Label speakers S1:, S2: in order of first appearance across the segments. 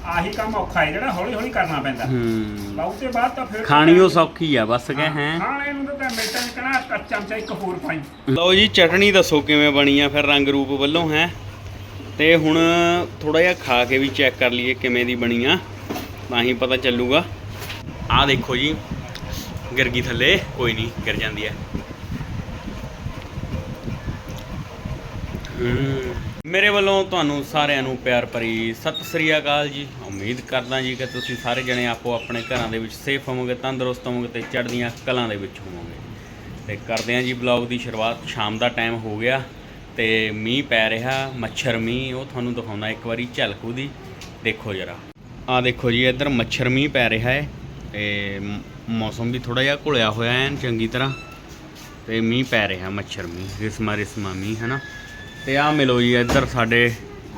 S1: ਆਹੀ ਕੰਮ ਔਖਾ ਹੈ ਜਿਹੜਾ ਹੌਲੀ ਹੌਲੀ ਕਰਨਾ ਪੈਂਦਾ। ਬਾਅਦ ਤੇ ਬਾਅਦ ਤਾਂ ਫਿਰ
S2: ਖਾਣੀ ਉਹ ਸੌਖੀ ਆ ਬਸ ਕਹੇ ਹੈ।
S1: ਖਾਣੇ ਨੂੰ ਤਾਂ ਮਿੰਟਾਂ ਚ ਕਹਣਾ ਚਮਚਾ ਇੱਕ ਹੋਰ ਪਾਈ।
S2: ਲਓ ਜੀ ਚਟਣੀ ਦੱਸੋ ਕਿਵੇਂ ਬਣੀ ਆ ਫਿਰ ਰੰਗ ਰੂਪ ਵੱਲੋਂ ਹੈ। ਤੇ ਹੁਣ ਥੋੜਾ ਜਿਹਾ ਖਾ ਕੇ ਵੀ ਚੈੱਕ ਕਰ ਲਈਏ ਕਿਵੇਂ ਦੀ ਬਣੀ ਆ, ਤਾਂ ਹੀ ਪਤਾ ਚੱਲੂਗਾ। ਆਹ ਦੇਖੋ ਜੀ ਗਿਰ ਗਈ ਥੱਲੇ, ਕੋਈ ਨਹੀਂ ਗਿਰ ਜਾਂਦੀ ਹੈ। ਮੇਰੇ ਵੱਲੋਂ ਤੁਹਾਨੂੰ ਸਾਰਿਆਂ ਨੂੰ ਪਿਆਰ ਭਰੀ ਸਤਿ ਸ੍ਰੀ ਅਕਾਲ ਜੀ। ਉਮੀਦ ਕਰਦਾ ਜੀ ਕਿ ਤੁਸੀਂ ਸਾਰੇ ਜਣੇ ਆਪੋ ਆਪਣੇ ਘਰਾਂ ਦੇ ਵਿੱਚ ਸੇਫ ਹੋਵੋਗੇ, ਤੰਦਰੁਸਤ ਹੋਵੋਗੇ ਤੇ ਚੜ੍ਹਦੀਆਂ ਕਲਾਂ ਦੇ ਵਿੱਚ ਹੋਵੋਗੇ। ਤੇ ਕਰਦੇ ਹਾਂ ਜੀ ਬਲੌਗ ਦੀ ਸ਼ੁਰੂਆਤ। ਸ਼ਾਮ ਦਾ ਟਾਈਮ ਹੋ ਗਿਆ ਤੇ ਮੀਂਹ ਪੈ ਰਿਹਾ, ਮੱਛਰ ਮੀਂਹ, ਉਹ ਤੁਹਾਨੂੰ ਦਿਖਾਉਣਾ ਇੱਕ ਵਾਰੀ ਝਲਕ ਉਹਦੀ। ਦੇਖੋ ਜਰਾ, ਆਹ ਦੇਖੋ ਜੀ ਇੱਧਰ ਮੱਛਰ ਮੀਂਹ ਪੈ ਰਿਹਾ ਹੈ ਤੇ ਮੌਸਮ ਵੀ ਥੋੜਾ ਜਿਹਾ ਘੁਲਿਆ ਹੋਇਆ ਹੈ ਚੰਗੀ ਤਰ੍ਹਾਂ, ਤੇ ਮੀਂਹ ਪੈ ਰਿਹਾ ਮੱਛਰ ਮੀਂਹ, ਰਿਸਮਾ ਮੀਂਹ ਹੈ ਨਾ। ਤੇ ਆਹ ਮਿਲੋ ਜੀ ਇੱਧਰ ਸਾਡੇ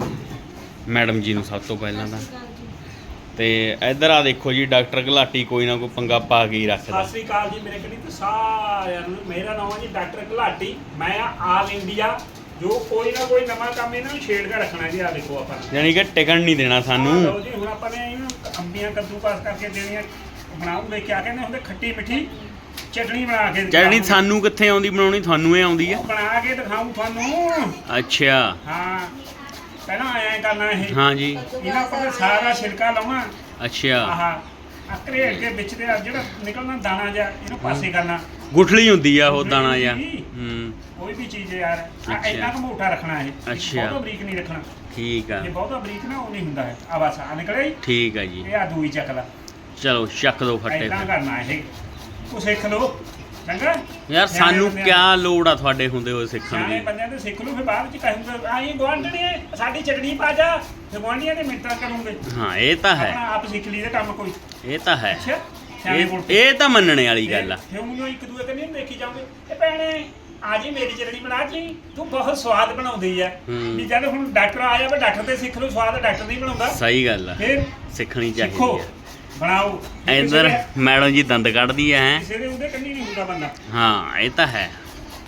S2: ਮੈਡਮ ਜੀ ਨੂੰ ਸਭ ਤੋਂ ਪਹਿਲਾਂ ਤਾਂ। ਤੇ ਇੱਧਰ ਆ ਦੇਖੋ ਜੀ ਡਾਕਟਰ ਘਲਾਟੀ ਕੋਈ ਨਾ ਕੋਈ ਪੰਗਾ ਪਾ ਕੇ ਹੀ ਰੱਖਦਾ।
S1: ਸਤਿ ਸ੍ਰੀ ਅਕਾਲ ਜੀ ਮੇਰੇ ਕਨੀ ਤੇ ਸਾਰਿਆਂ ਨੂੰ। ਮੇਰਾ ਨਾਮ ਹੈ ਜੀ ਡਾਕਟਰ ਘਲਾਟੀ। ਮੈਂ ਆ ਆਲ ਇੰਡੀਆ ਜੋ ਕੋਈ ਨਾ ਕੋਈ ਨਵਾਂ ਕੰਮ ਇਹਨਾਂ ਨੂੰ ਛੇੜ ਕੇ ਰੱਖਣਾ ਜੀ। ਆ ਦੇਖੋ ਆਪਾਂ
S2: ਯਾਨੀ ਕਿ ਟਿਕਣ ਨਹੀਂ ਦੇਣਾ ਸਾਨੂੰ।
S1: ਲਓ ਜੀ ਹੁਣ ਆਪਾਂ ਨੇ ਇਹਨੂੰ ਅੰਬੀਆਂ ਕੱਦੂਕਾਸ ਕਰਕੇ ਦੇਣੀਆਂ, ਬਣਾਉਂਗੇ ਕਿਆ ਕਹਿੰਦੇ ਹੁੰਦੇ ਖੱਟੀ ਮਿੱਠੀ ਚਟਣੀ ਬਣਾ ਕੇ।
S2: ਚਟਣੀ ਸਾਨੂੰ ਕਿੱਥੇ ਆਉਂਦੀ ਬਣਾਉਣੀ, ਤੁਹਾਨੂੰ ਇਹ ਆਉਂਦੀ ਆ।
S1: ਬਣਾ ਕੇ ਦਿਖਾਉਂ ਤੁਹਾਨੂੰ।
S2: ਅੱਛਾ
S1: ਹਾਂ ਪਹਿਲਾਂ ਐਂ ਕਰਨਾ ਇਹ।
S2: ਹਾਂ ਜੀ
S1: ਇਹਨਾਂ ਉੱਪਰ ਸਾਰਾ ਛਿਲਕਾ ਲਾਉਣਾ।
S2: ਅੱਛਾ
S1: ਆਹ ਘਰੇੜ ਕੇ ਵਿੱਚ ਦੇ ਜਿਹੜਾ ਨਿਕਲਣਾ ਦਾਣਾ ਜਿਹਾ ਇਹਨੂੰ ਪਾਸੇ ਕਰਨਾ।
S2: ਗੁਠਲੀ ਹੁੰਦੀ ਆ ਉਹ ਦਾਣਾ ਜਿਹਾ।
S1: ਕੋਈ ਵੀ ਚੀਜ਼ ਯਾਰ ਇੰਨਾ ਕੁ ਮੋਟਾ ਰੱਖਣਾ ਇਹ, ਬਹੁਤਾ ਬਰੀਕ ਨਹੀਂ ਰੱਖਣਾ।
S2: ਠੀਕ ਆ,
S1: ਜੇ ਬਹੁਤਾ ਬਰੀਕ ਨਾ ਉਹ ਨਹੀਂ ਹੁੰਦਾ ਹੈ। ਆ ਬਸ ਆ ਨਿਕਲਿਆ ਜੀ।
S2: ਠੀਕ ਆ ਜੀ।
S1: ਇਹ ਆ ਦੂਈ ਚੱਕ ਲਾ।
S2: ਚਲੋ ਚੱਕ ਦੋ ਫੱਟੇ।
S1: ਇਦਾਂ ਕਰਨਾ ਇਹ, ਉਹ ਸਿੱਖ ਲਓ ਚੰਗਾ
S2: ਯਾਰ। ਸਾਨੂੰ ਕਿਆ ਲੋੜ ਆ ਤੁਹਾਡੇ ਹੁੰਦੇ ਹੋਏ ਸਿੱਖਣ
S1: ਸਿਆਣੇ
S2: ਦੀ।
S1: ਬੰਦਿਆਂ ਤੇ ਸਿੱਖ ਲਓ, ਫਿਰ ਬਾਅਦ ਚ ਕਹੂੰਗਾ ਆਈ ਗੁਆਂਢਣੀ ਸਾਡੀ ਚਟਣੀ ਪਾ ਜਾ, ਫਿਰ ਗੁਆਂਢੀਆਂ ਦੇ ਮਿੰਟਾਂ ਕਰੂੰਗੇ।
S2: ਹਾਂ ਇਹ ਤਾਂ ਹੈ,
S1: ਆਪਣਾ ਆਪ ਸਿੱਖ ਲਈ ਦਾ ਕੰਮ ਕੋਈ।
S2: ਇਹ ਤਾਂ ਹੈ।
S1: ਅੱਛਾ ਸਿਆਣੇ ਕੋਲ
S2: ਇਹ ਤਾਂ ਮੰਨਣੇ ਵਾਲੀ ਗੱਲ ਆ।
S1: ਫਿਰ ਉਹਨੂੰ ਇੱਕ ਦੂਏ ਕਨੀ ਦੇਖੀ ਜਾਓਗੇ, ਇਹ ਭੈਣੇ ਆ ਜੀ ਮੇਰੀ ਚਟਣੀ ਬਣਾ ਜੀ, ਤੂੰ ਬਹੁਤ ਸਵਾਦ ਬਣਾਉਂਦੀ ਆ। ਵੀ ਜਦ ਹੁਣ ਡਾਕਟਰ ਆ ਜਾਵੇ ਡਾਕਟਰ ਤੇ ਸਿੱਖ ਲਓ, ਸਵਾਦ ਡਾਕਟਰ ਨਹੀਂ ਬਣਾਉਂਦਾ।
S2: ਸਹੀ ਗੱਲ ਆ,
S1: ਫਿਰ
S2: ਸਿੱਖਣੀ ਚਾਹੀਦੀ
S1: ਸਿੱਖੋ
S2: ਆ।
S1: ਬਣਾਓ।
S2: ਇੱਧਰ ਮੈਡਮ ਜੀ ਦੰਦ ਕੱਢਦੀ ਆ।
S1: ਕਿਸੇ ਦੇ ਉਹਦੇ ਕੰਨੀ ਨਹੀਂ ਹੁੰਦਾ ਬੰਦਾ।
S2: ਹਾਂ ਇਹ ਤਾਂ ਹੈ।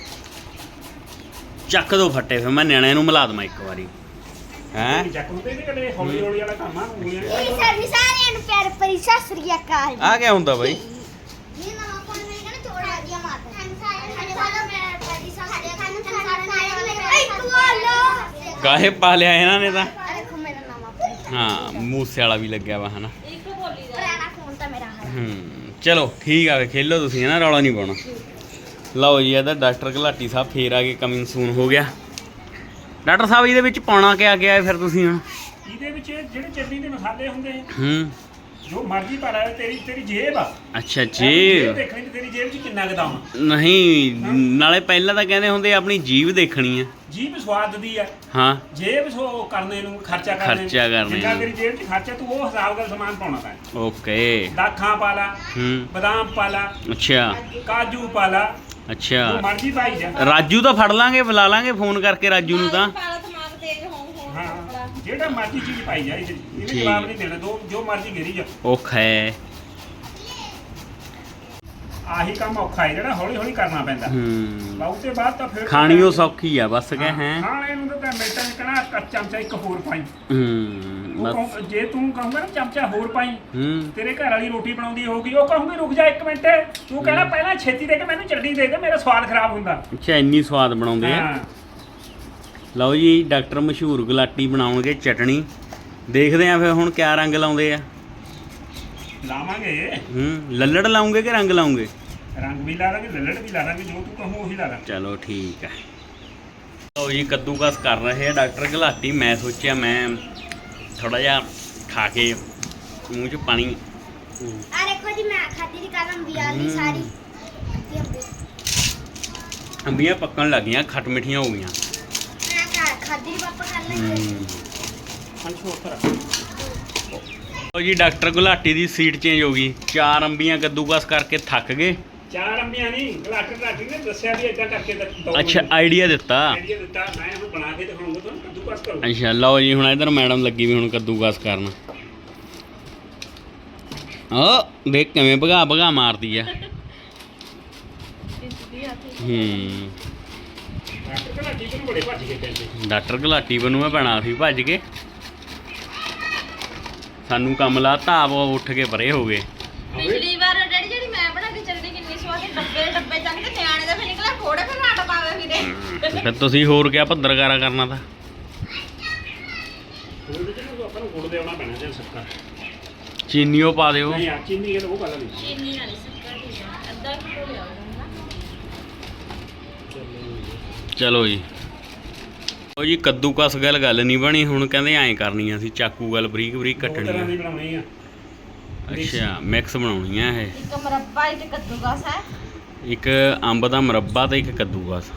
S2: ਚੱਕ ਦੋ ਫੱਟੇ, ਫਿਰ ਮੈਂ ਨਿਆਣਿਆਂ ਨੂੰ ਮਿਲਾ ਦਵਾਂ ਇੱਕ ਵਾਰੀ। ਹੈ
S1: ਚੱਕ ਹੁੰਦੇ ਨੇ ਕਦੇ ਹੌਲੀ ਹੌਲੀ ਵਾਲਾ ਕੰਮ ਆ।
S3: ਸਾਰਿਆਂ ਨੂੰ ਪਿਆਰ ਭਰੀ ਸਤਿ ਸ੍ਰੀ ਅਕਾਲ।
S2: ਆ ਕਿਆ ਹੁੰਦਾ ਬਾਈ?
S3: ਇਹ ਨਵਾਂ ਫੋਨ ਮੇਰੇ ਕਹਿੰਦੇ ਚੋੜ ਆ ਗਿਆ ਮਾਤਾ। ਸਾਡੇ ਵਾਲਾ ਪਿਆਰ ਭਰੀ ਸਤਿ ਸ੍ਰੀ ਅਕਾਲ। ਤੂੰ ਆ ਲੋ
S2: ਗਾਹੇ ਪਾ ਲਿਆ ਇਹਨਾਂ ਨੇ ਤਾਂ।
S3: ਦੇਖੋ ਮੇਰਾ ਨਵਾਂ ਫੋਨ।
S2: ਹਾਂ ਮੂਸੇ ਵਾਲਾ ਵੀ ਲੱਗਿਆ ਵਾ ਹਨਾ।
S3: ਪੁਰਾਣਾ ਫੋਨ ਤਾਂ ਮੇਰਾ ਹੈ।
S2: ਚਲੋ ਠੀਕ ਆ, ਵੇ ਖੇਲੋ ਤੁਸੀਂ ਹਨਾ, ਰੌਲਾ ਨਹੀਂ ਪਾਉਣਾ। ਲਓ ਜੀ ਇਹਦਾ ਡਾਕਟਰ ਘਲਾਟੀ ਸਾਹਿਬ ਫੇਰ ਆ ਕੇ ਕਮਿੰਗ ਸੂਨ ਹੋ ਗਿਆ। ਡਾਕਟਰ ਸਾਹਿਬ ਇਹਦੇ ਵਿੱਚ ਪਾਉਣਾ ਕਿਆ ਗਿਆ ਫਿਰ ਤੁਸੀਂ ਹੁਣ?
S1: ਇਹਦੇ ਵਿੱਚ ਜਿਹੜੇ ਚਟਨੀ ਦੇ ਮਸਾਲੇ ਹੁੰਦੇ
S2: ਹੂੰ
S1: ਜੋ ਮਰਜ਼ੀ ਪਾ ਲੈ। ਤੇਰੀ ਜੇਬ ਆ।
S2: ਅੱਛਾ
S1: ਜੇਬ
S2: ਜੀ।
S1: ਦੇਖਣੀ ਤੇ ਤੇਰੀ ਜੇਬ 'ਚ ਕਿੰਨਾ ਗਦਾਮ ਆ।
S2: ਨਹੀਂ ਨਾਲੇ ਪਹਿਲਾਂ ਤਾਂ ਕਹਿੰਦੇ ਹੁੰਦੇ ਆਪਣੀ ਜੀਭ ਦੇਖਣੀ ਆ।
S1: ਜੀਬ ਸਵਾਦ ਦੀ ਆ।
S2: ਹਾਂ
S1: ਜੇਬ ਸੋ ਕਰਨੇ ਨੂੰ ਖਰਚਾ ਕਰਨੇ ਜਿੰਨਾ ਤੇਰੀ ਜੇਬ 'ਚ ਖਰਚਾ ਤੂੰ ਉਹ ਹਿਸਾਬ ਦਾ ਸਮਾਨ ਪਾਉਣਾ ਤਾਂ।
S2: ਓਕੇ।
S1: ਦਾਖਾਂ ਪਾ ਲਾ, ਬਦਾਮ ਪਾ ਲਾ,
S2: ਅੱਛਾ
S1: ਕਾਜੂ ਪਾ ਲਾ, ਜੋ
S2: ਅੱਛਾ।
S1: ਮਰਜ਼ੀ ਪਾਈ ਜਾ।
S2: ਰਾਜੂ ਤਾਂ ਫੜ ਲਾਂਗੇ, ਬੁਲਾ ਲਾਂਗੇ ਫੋਨ ਕਰਕੇ ਰਾਜੂ ਨੂੰ ਤਾਂ।
S1: ਹਾਂ ਜਿਹੜਾ ਮਰਜ਼ੀ ਚੀਜ਼ ਪਾਈ ਜਾ। ਇਹਨੇ ਜਵਾਬ ਨਹੀਂ ਦੇਣਾ, ਜੋ ਮਰਜ਼ੀ ਘੇਰੀ ਜਾ।
S2: ਔਖਾ ਹੈ।
S1: ਆਹੀ ਕੰਮ ਔਖਾ ਹੈ ਜਿਹੜਾ ਹੌਲੀ ਹੌਲੀ ਕਰਨਾ ਪੈਂਦਾ। ਬਾਅਦ ਤੇ ਬਾਅਦ ਤਾਂ ਫਿਰ
S2: ਖਾਣੀ ਉਹ ਸੌਖੀ ਆ ਬਸ ਕਹੇ ਹੈ।
S1: ਖਾਣੇ ਨੂੰ ਤਾਂ ਮਿੰਟਾਂ ਚ ਕਹਣਾ ਚਮਚਾ ਇੱਕ ਹੋਰ ਪਾਈ।
S2: ਬਸ
S1: ਜੇ ਤੂੰ ਕਹੂੰਗਾ ਨਾ ਚਮਚਾ ਹੋਰ ਪਾਈ, ਤੇਰੇ ਘਰ ਵਾਲੀ ਰੋਟੀ ਬਣਾਉਂਦੀ ਹੋਊਗੀ, ਉਹ ਕਹੂੰਗੀ ਰੁਕ ਜਾ ਇੱਕ ਮਿੰਟ, ਤੂੰ ਕਹਿਣਾ ਪਹਿਲਾਂ ਛੇਤੀ ਦੇ ਕੇ ਮੈਨੂੰ ਚਟਨੀ ਦੇ ਦੇ, ਮੇਰਾ ਸਵਾਦ ਖਰਾਬ ਹੁੰਦਾ।
S2: ਅੱਛਾ ਇੰਨੀ ਸਵਾਦ ਬਣਾਉਂਦੇ ਆ। ਲਓ ਜੀ ਡਾਕਟਰ ਮਸ਼ਹੂਰ ਘਲਾਟੀ ਬਣਾਉਣਗੇ ਚਟਣੀ। ਦੇਖਦੇ ਆ ਫਿਰ ਹੁਣ ਕਿਆ ਰੰਗ ਲਾਉਂਦੇ ਆ।
S1: ਲਾਵਾਂਗੇ
S2: ਲੱਲੜ ਲਾਉਂਗੇ ਕਿ ਰੰਗ ਲਾਉਂਗੇ?
S1: ਰੰਗ ਵੀ ਲਾ ਲਾਂਗੇ, ਲੱਲੜ ਵੀ ਲਾ ਲਾਂਗੇ, ਜੋ ਤੂੰ ਕਹੂੰ ਉਹੀ ਲਾ ਲਾਂਗੇ।
S2: ਚਲੋ ਠੀਕ ਹੈ। ਲਓ ਜੀ ਕੱਦੂਕਸ ਕਰ ਰਹੇ ਆ ਡਾਕਟਰ ਘਲਾਟੀ। ਮੈਂ ਸੋਚਿਆ ਮੈਂ ਥੋੜਾ ਜਿਹਾ ਖਾ ਕੇ ਮੂੰਹ 'ਚ ਪਾਣੀ।
S3: ਆ ਦੇਖੋ ਜੀ ਮੈਂ ਖਾਦੀ ਦੀ ਕਲਮ ਵੀ ਆ ਗਈ ਸਾਰੀ।
S2: ਅੰਬੀਆਂ ਪੱਕਣ ਲੱਗੀਆਂ, ਖੱਟ ਮਿੱਠੀਆਂ ਹੋ ਗਈਆਂ।
S3: ਮੈਂ ਖਾਦੀ ਦੀ ਪਾਪਾ ਕਰ ਲੈਂਦੇ।
S2: ਲਓ ਜੀ ਡਾਕਟਰ ਘਲਾਟੀ ਦੀ ਸੀਟ ਚੇਂਜ ਹੋ ਗਈ। 4 ਅੰਬੀਆਂ ਕੱਦੂਕਸ ਕਰਕੇ ਥੱਕ ਗਏ।
S1: 4 ਅੰਬੀਆਂ ਨਹੀਂ, ਘਲਾਟੀ ਨੇ ਦੱਸਿਆ ਵੀ ਏਦਾਂ ਕਰਕੇ ਦੋ।
S2: ਅੱਛਾ ਆਈਡੀਆ ਦਿੱਤਾ।
S1: ਆਈਡੀਆ ਦਿੱਤਾ, ਮੈਂ ਹੁਣ ਬਣਾ ਕੇ ਦਿਖਾਉਂਗਾ ਤੁਹਾਨੂੰ ਕੱਦੂਕਸ ਕਰੋ।
S2: ਅੱਛਾ ਲਓ ਜੀ ਹੁਣ ਇਧਰ ਮੈਡਮ ਲੱਗੀ ਵੀ ਹੁਣ ਕੱਦੂਕਸ ਕਰਨ। ਓ ਦੇਖ ਕਿਵੇਂ ਭਗਾ ਭਗਾ ਮਾਰਦੀ ਆ। ਡਾਕਟਰ ਘਲਾਟੀ ਬਣੂ ਮੈਂ ਪੈਣਾ ਸੀ ਭੱਜ ਕੇ। ਸਾਨੂੰ ਕੰਮ ਲਾਤਾ ਆਪ ਉੱਠ ਕੇ ਪਰੇ ਹੋ ਗਏ।
S4: ਪਿਛਲੀ ਵਾਰ ਡੈਡੀ ਜਿਹੜੀ ਮੈਂ ਬਣਾ ਕੇ ਚੱਲਦੀ ਕਿੰਨੀ ਸਵਾਦ ਸੀ, ਡੱਬੇ ਚੱਕ ਕੇ ਨਿਆਣੇ ਦਾ ਫਿਰ ਨਿਕਲਿਆ ਥੋੜੇ ਫਿਰ ਨਾਟ ਪਾਵੇ ਵੀਰੇ।
S2: ਫਿਰ ਤੁਸੀਂ ਹੋਰ ਕਿਆ ਭੱਦਰਕਾਰਾ ਕਰਨਾ ਤਾਂ।
S1: ਉਹਦੇ ਚ ਨਾ ਆਪਾਂ ਨੂੰ ਗੁੜ ਦੇਣਾ ਪੈਣਾ ਜੇ ਸੱਕਰ
S2: ਚੀਨੀਓ ਪਾ ਦਿਓ।
S1: ਨਹੀਂ ਆ ਚੀਨੀ ਇਹ ਉਹ ਗੱਲ ਨਹੀਂ।
S4: ਚੀਨੀ ਵਾਲੀ ਸ਼ੱਕਰ ਠੀਕ ਆ, ਅੱਧਾ ਕਿਲੋ ਲਿਆਓ ਨਾ।
S2: ਚਲੋ ਜੀ। ਉਹ ਜੀ ਕੱਦੂਕਸ ਗੱਲ ਨਹੀਂ ਬਣੀ, ਹੁਣ ਕਹਿੰਦੇ ਐਂ ਕਰਨੀ ਆ ਅਸੀਂ ਚਾਕੂ ਗੱਲ ਬਰੀਕ ਬਰੀਕ
S1: ਦੋ ਤਰ੍ਹਾਂ
S2: ਕੱਟਣੀ
S1: ਦੀ
S2: ਆ।
S1: ਬਣਾਉਣੀ ਆ।
S2: ਅੱਛਾ ਮਿਕਸ ਬਣਾਉਣੀ ਆ ਇਹ।
S4: ਇੱਕ ਮੁਰੱਬਾ ਇੱਕ ਕੱਦੂਕਸ ਹੈ।
S2: ਇੱਕ ਅੰਬ ਦਾ ਮੁਰੱਬਾ ਤੇ ਇੱਕ ਕੱਦੂਕਸ।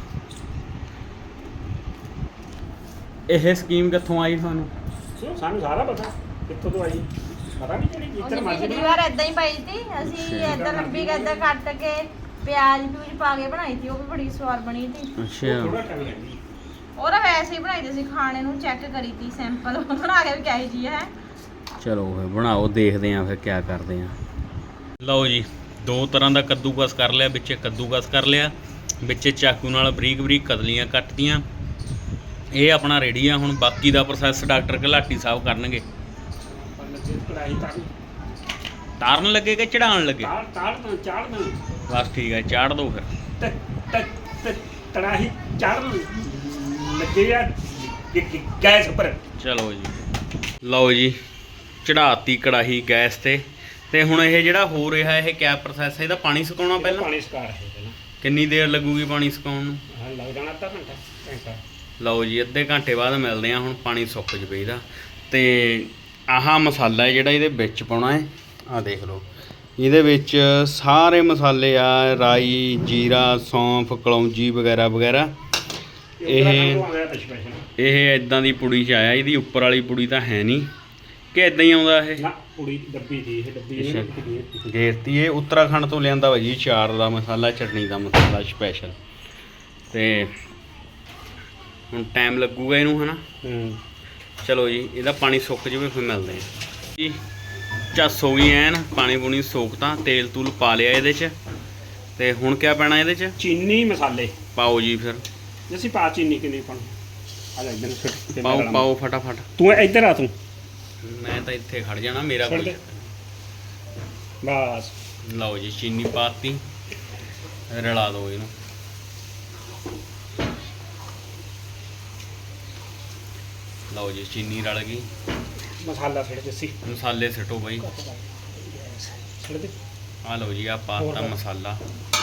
S2: ਇਹ ਸਕੀਮ ਕਿੱਥੋਂ ਆਈ ਤੁਹਾਨੂੰ?
S1: ਸਾਨੂੰ ਸਾਰਾ ਪਤਾ ਕਿੱਥੋਂ ਤੋਂ ਆਈ, ਪਤਾ ਨਹੀਂ ਕਿਹੜੀ ਜਿੱਤਰ
S4: ਉਹਨੇ
S1: ਮਰਜ਼ੀ
S4: ਪਿਛਲੀ ਵਾਰ ਏਦਾਂ ਹੀ ਪਾਈ ਸੀ ਅਸੀਂ, ਏਦਾਂ ਲੰਬੀ ਏਦਾਂ ਕੱਟ ਕੇ ਪਿਆਜ਼ ਪਿਊਜ਼ ਪਾ ਕੇ ਬਣਾਈ ਸੀ, ਉਹ ਵੀ ਬੜੀ ਸਵਾਦ ਬਣੀ ਸੀ।
S2: ਅੱਛਾ
S1: ਥੋੜਾ ਟਾਈਮ ਲੱਗਦੀ।
S4: ਉਹ ਤਾਂ ਵੈਸੇ ਹੀ ਬਣਾਈ ਸੀ, ਖਾਣੇ ਨੂੰ ਚੈੱਕ ਕਰੀ ਤੀ ਸੈਂਪਲ ਬਣਾ ਕੇ ਵੀ ਕਿਹੋ ਜੀ ਹੈ।
S2: ਚਲੋ ਫਿਰ ਬਣਾਓ, ਦੇਖਦੇ ਆਂ ਫਿਰ ਕਿਆ ਕਰਦੇ ਆਂ। ਲਓ ਜੀ, ਦੋ ਤਰ੍ਹਾਂ ਦਾ ਕੱਦੂਕਸ ਕਰ ਲਿਆ, ਵਿੱਚੇ ਕੱਦੂਕਸ ਕਰ ਲਿਆ, ਵਿੱਚੇ ਚਾਕੂ ਨਾਲ ਬਰੀਕ ਬਰੀਕ ਕਤਲੀਆਂ ਕੱਟਤੀਆਂ। ਇਹ ਆਪਣਾ ਰੈਡੀ ਆ। ਹੁਣ ਬਾਕੀ ਦਾ ਪ੍ਰੋਸੈਸ ਡਾਕਟਰ ਘਲਾਟੀ ਸਾਹਿਬ ਕਰਨਗੇ।
S1: ਕੜਾਈ
S2: ਤਾਰਨ ਲੱਗੇ ਕਿ ਚੜਾਉਣ ਲੱਗੇ?
S1: ਚਾੜਨਾ
S2: ਬਸ ਠੀਕ ਹੈ, ਚਾੜ ਦਿਓ ਫਿਰ।
S1: ਕੜਾਹੀ ਚਾੜਨ ਲੱਗੇ ਆ ਗੈਸ ਉੱਪਰ।
S2: ਚਲੋ ਜੀ, ਲਓ ਜੀ, ਚੜਾਤੀ ਕੜਾਹੀ ਗੈਸ ਤੇ ਹੁਣ ਇਹ ਜਿਹੜਾ ਹੋ ਰਿਹਾ ਇਹ ਕਿਆ ਪ੍ਰੋਸੈਸ ਹੈ? ਇਹਦਾ ਪਾਣੀ ਸੁਕਾਉਣਾ ਪਹਿਲਾਂ?
S1: ਪਾਣੀ ਸੁਕਾ ਰਹੇ ਪਹਿਲਾਂ।
S2: ਕਿੰਨੀ ਦੇਰ ਲੱਗੂਗੀ ਪਾਣੀ ਸੁਕਾਉਣ ਨੂੰ?
S1: ਲੱਗ ਜਾਣਾ ਅੱਧਾ ਘੰਟਾ।
S2: ਲਓ ਜੀ, ਅੱਧੇ ਘੰਟੇ ਬਾਅਦ ਮਿਲਦੇ ਆ। ਹੁਣ ਪਾਣੀ ਸੁੱਕ ਜਵੇ ਇਹਦਾ। ਤੇ ਆਹ ਮਸਾਲਾ ਹੈ ਜਿਹੜਾ ਇਹਦੇ ਵਿੱਚ ਪਾਉਣਾ ਹੈ। ਆਹ ਦੇਖ ਲਓ, ਇਹਦੇ ਵਿੱਚ ਸਾਰੇ ਮਸਾਲੇ ਆ, ਰਾਈ, ਜੀਰਾ, ਸੌਂਫ, ਕਲੌਂਜੀ ਵਗੈਰਾ ਵਗੈਰਾ। ਇਹ ਇਦਾਂ ਦੀ ਪੁੜੀ 'ਚ ਆਇਆ। ਇਹਦੀ ਉੱਪਰ ਵਾਲੀ ਪੁੜੀ ਤਾਂ ਹੈ ਨਹੀਂ ਕਿ ਇਦਾਂ ਹੀ ਆਉਂਦਾ ਇਹ?
S1: ਨਾ ਪੁੜੀ ਡੱਬੀ ਸੀ ਇਹ, ਡੱਬੀ
S2: ਗੇਰਤੀ। ਇਹ ਉੱਤਰਾਖੰਡ ਤੋਂ ਲਿਆਂਦਾ ਵਾ ਜੀ, ਚਾਰ ਦਾ ਮਸਾਲਾ, ਚਟਨੀ ਦਾ ਮਸਾਲਾ ਸਪੈਸ਼ਲ। ਤੇ ਹੁਣ ਟਾਈਮ ਲੱਗੂਗਾ ਇਹਨੂੰ, ਹੈ ਨਾ? ਚਲੋ ਜੀ, ਇਹਦਾ ਪਾਣੀ ਸੁੱਕ ਜਾਵੇ ਫਿਰ ਮਿਲਦੇ ਹਾਂ ਜੀ। ਝੱਸ ਹੋ ਗਈ ਐਨ, ਪਾਣੀ ਪੂਣੀ ਸੋਕਤਾ, ਤੇਲ ਤੂਲ ਪਾ ਲਿਆ ਇਹਦੇ 'ਚ। ਤੇ ਹੁਣ ਕਿਆ ਪੈਣਾ ਇਹਦੇ 'ਚ?
S1: ਚੀਨੀ ਮਸਾਲੇ
S2: ਪਾਓ ਜੀ ਫਿਰ।
S1: ਅਸੀਂ ਪਾ ਚੀਨੀ ਕਿੰਨੀ ਪਾਉਣੀ? ਆ ਲੈ ਇੱਧਰ
S2: ਪਾਓ ਫਟਾਫਟ।
S1: ਤੂੰ ਇੱਧਰ ਆ, ਤੂੰ
S2: ਮੈਂ ਤਾਂ ਇੱਥੇ ਖੜ ਜਾਣਾ, ਮੇਰਾ ਕੋਈ।
S1: ਬਸ
S2: ਲਓ ਜੀ, ਚੀਨੀ ਪਾਤੀ, ਰਲਾ ਦਿਓ ਇਹਨੂੰ। ਲਓ ਜੀ, ਚੀਨੀ ਰਲ ਗਈ।
S1: ਮਸਾਲਾ ਛਿੜ ਜੱਸੀ,
S2: ਮਸਾਲੇ ਸਿੱਟੋ ਬਾਈ।
S1: ਛਿੜ ਦੇ।
S2: ਆ ਲਓ ਜੀ, ਆ ਪਾਤਾ ਮਸਾਲਾ।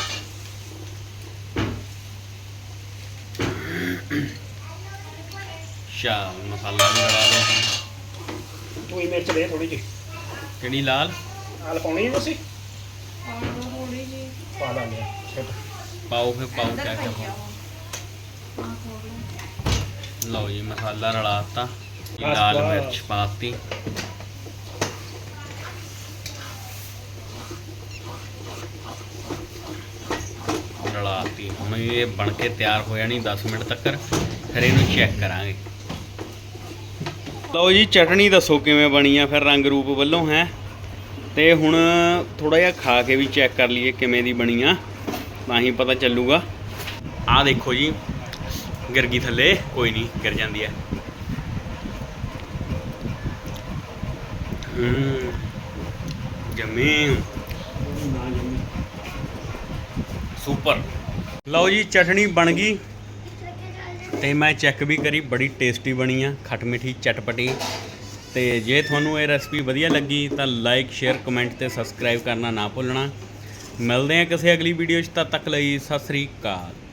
S2: ਸ਼ਾ ਮਸਾਲਾ ਵੀ ਰਲਾ ਦਿਓ।
S1: ਤੂੰ ਹੀ ਮਿਰਚ ਦੇ ਥੋੜੀ ਜਿਹੀ।
S2: ਕਿਹੜੀ ਲਾਲ?
S1: ਆਲ ਪਾਉਣੀ ਹੈ ਤੁਸੀਂ? ਪਾ ਲਾਂਗੇ। ਛਿੜ
S2: ਪਾਓ ਫਿਰ, ਪਾਓ ਕਿਆ ਕਿਆ ਪਾਓ। ਲਓ ਜੀ, ਮਸਾਲਾ ਰਲਾਤਾ। ਲਾਲ ਮਿਰਚ ਪਾਤੀ। ਰਲਾਤੀ। ਹੁਣ ਇਹ ਬਣ ਕੇ ਤਿਆਰ ਹੋ ਜਾਣੀ 10 ਮਿੰਟ ਤੱਕ। ਫਿਰ ਇਹਨੂੰ ਚੈੱਕ ਕਰਾਂਗੇ। ਲਓ ਜੀ, ਚਟਣੀ ਦੱਸੋ ਕਿਵੇਂ ਬਣੀ ਆ ਫਿਰ ਰੰਗ ਰੂਪ ਵੱਲੋਂ ਹੈ? ਤੇ ਹੁਣ ਥੋੜਾ ਜਿਹਾ ਖਾ ਕੇ ਵੀ ਚੈੱਕ ਕਰ ਲਈਏ ਕਿਵੇਂ ਦੀ ਬਣੀ ਆ, ਤਾਂ ਹੀ ਪਤਾ ਚੱਲੂਗਾ। ਆਹ ਦੇਖੋ ਜੀ, ਗਿਰ ਗਈ ਥੱਲੇ, ਕੋਈ ਨਹੀਂ, ਗਿਰ ਜਾਂਦੀ ਹੈ। ਜਮੀ ਸੁਪਰ। ਲਓ ਜੀ, ਚਟਣੀ ਬਣ ਗਈ ਤੇ ਮੈਂ ਚੈੱਕ ਵੀ ਕਰੀ, ਬੜੀ ਟੇਸਟੀ ਬਣੀ ਆ, ਖੱਟ ਮਿੱਠੀ ਚਟਪਟੀ। ਤੇ ਜੇ ਤੁਹਾਨੂੰ ਇਹ ਰੈਸਪੀ ਵਧੀਆ ਲੱਗੀ ਤਾਂ ਲਾਈਕ, ਸ਼ੇਅਰ, ਕਮੈਂਟ ਤੇ ਸਬਸਕ੍ਰਾਈਬ ਕਰਨਾ ਨਾ ਭੁੱਲਣਾ। ਮਿਲਦੇ ਹਾਂ ਕਿਸੇ ਅਗਲੀ ਵੀਡੀਓ 'ਚ, ਤਦ ਤੱਕ ਲਈ ਸਤਿ ਸ੍ਰੀ ਅਕਾਲ।